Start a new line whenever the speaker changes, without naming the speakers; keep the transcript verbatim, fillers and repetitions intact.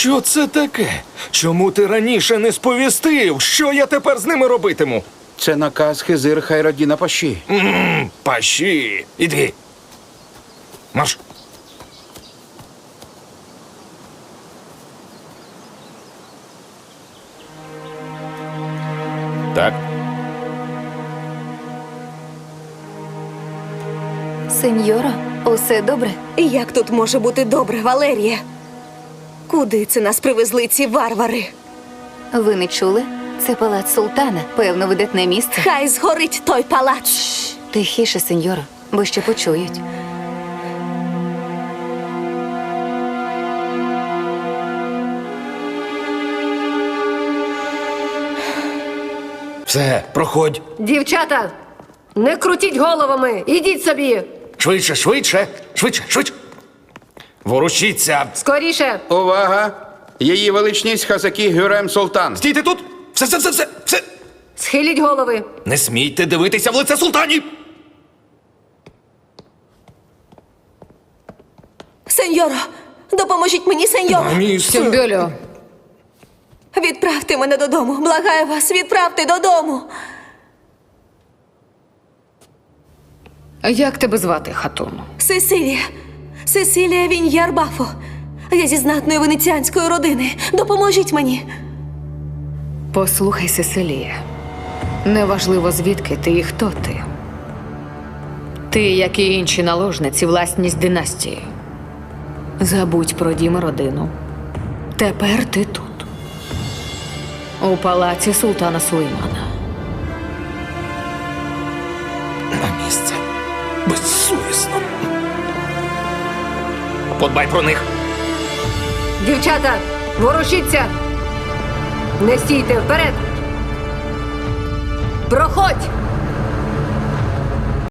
Що це таке? Чому ти раніше не сповістив? Що я тепер з ними робитиму?
Це наказ Хизир Хайрадіна Паші.
Ммм, паші. Іди. Марш. Так.
Сеньоро, усе добре?
Як тут може бути добре, Валерія? Куди це нас привезли ці варвари?
Ви не чули? Це палац султана, певно, видатне місце.
Хай згорить той палац.
Тихіше, сеньоро, бо ще почують.
Все, проходь.
Дівчата, не крутіть головами, ідіть собі.
Швидше, швидше, швидше, швидше. Ворушіться.
Скоріше.
Увага! Її величність Хазакі Гюрем Султан.
Стійте тут. Все, все, все, все, все.
Схиліть голови.
Не смійте дивитися в лице султанів.
Сеньоро, допоможіть мені, сеньоро.
На місце.
Тюмбюлю.
Відправте мене додому. Благаю вас, відправте додому.
Як тебе звати, хатун?
Сесилія. Сесилія Віньярбафо. Я зі знатної венеціанської родини. Допоможіть мені.
Послухай, Сесилія. Неважливо, звідки ти і хто ти. Ти, як і інші наложниці, власність династії. Забудь про дім і родину. Тепер ти тут. У палаці султана Сулеймана.
На місце. Безсовісно. Подбай про них.
Дівчата, ворушіться! Не стійте, вперед! Проходь!